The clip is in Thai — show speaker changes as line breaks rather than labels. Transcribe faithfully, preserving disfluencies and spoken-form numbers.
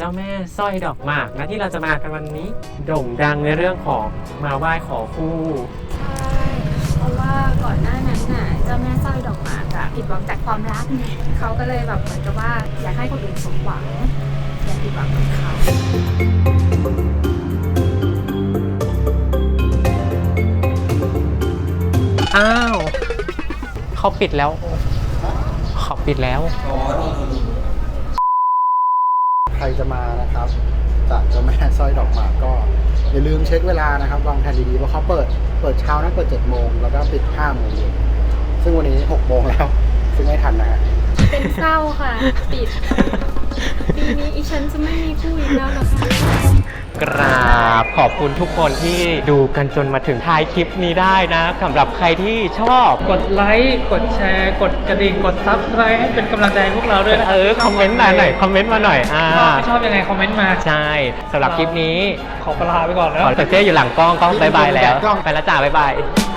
จ้าแม่สร้อยดอกหมากนะที่เราจะมากันวันนี้โด่งดังในเรื่องของมาไหว้ขอคู่
ใช่เพราะว่าก่อนหน้านั้นน่ะเจ้าแม่สร้อยดอกหมากอะผิดหวังจากความรักเขาก็เลยแบบเหมือนกับว่าอยากให้คนอื่นสมหวังอย่าผิดหวังกับเขา
อ้าวเขาปิดแล้วเขาปิดแล้ว
ใครจะมานะครับจากเจ้าแม่สร้อยดอกหมากก็อย่าลืมเช็คเวลานะครับวางแผนดีๆเพราะเขาเปิดเปิดเช้านะเปิดเจ็ดโมงแล้วก็ปิดห้าโมงเย็นซึ่งวันนี้หกโมงแล้วซึ่งไม่ทันนะฮะ
เป็นเศร้าค่ะปิดปีนี้อีฉันจะไม่มีคู่อีกแล้วนะคะ
กราบขอบคุณทุกคนที่ดูกันจนมาถึงท้ายคลิปนี้ได้นะสำหรับใครที่ชอบ
กดไลค์กดแชร์กดกระดิ่งกดซับสไครต์ให้เป็นกำลังใจให้พวกเราด้วยนะ
เออคอมเมนต์มาหน่อยคอมเมนต์มาหน่อยอ่า
ชอบไม่ชอบยังไงคอมเมนต์มา
ใช่สำหรับคลิปนี้
ขอลาไปก่อนแล้ว
ขอแต่เจ๊อยู่หลังกล้องกล้องบายบายแล้ว
กล้อง
ไปแล้วจ้าบายบาย